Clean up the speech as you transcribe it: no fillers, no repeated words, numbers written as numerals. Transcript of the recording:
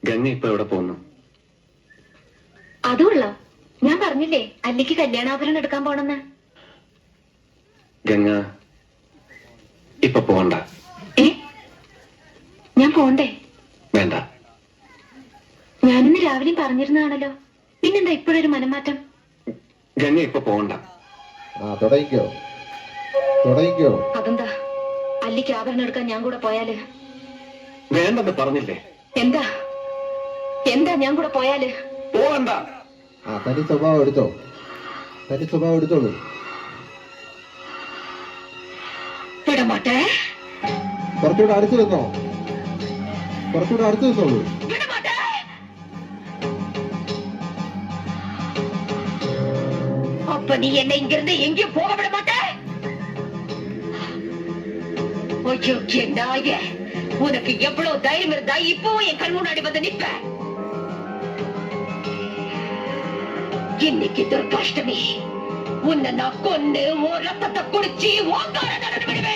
ഗംഗ ഇപ്പൊ എവിടെ പോകുന്നു? അതുള്ള ഞാൻ പറഞ്ഞില്ലേ അല്ലിക്ക് കല്യാണാഭരണം എടുക്കാൻ പോണെന്ന്. ഗംഗ ഇപ്പൊ പോണ്ട. ഞാൻ പോണ്ടേ? വേണ്ട. ഞാനിന്ന് രാവിലെയും പറഞ്ഞിരുന്നതാണല്ലോ, പിന്നെന്താ ഇപ്പോഴൊരു മനംമാറ്റം? ഗംഗ ഇപ്പൊ പോണ്ട. തുടങ്ങിക്കോ. അതെന്താ? അല്ലിക്ക് ആഭരണം എടുക്കാൻ ഞാൻ കൂടെ പോയാല്? വേണ്ടെന്ന് പറഞ്ഞില്ലേ? എന്താ എന്താ ഞാൻ കൂടെ പോയാല്? പോകണ്ട. തനി സ്വഭാവം എടുത്തോളൂ. വിടമാട്ടെ. കുറച്ചുകൂടെ അടുത്ത് നിന്നോളൂ. அப்ப நீ என்ன இங்கிருந்து எங்கேயும் போக விட மாட்ட? உனக்கு எவ்வளவு தைரியம் இருந்தா இப்பவும் என் கண் முன்னாடி வந்து நிப்ப? இன்னைக்கு துர்காஷ்டமி, உன்னை நான் கொண்டு உன் ரத்தத்தை குடிச்சு ஓங்கார நடந்து விடுவேன்.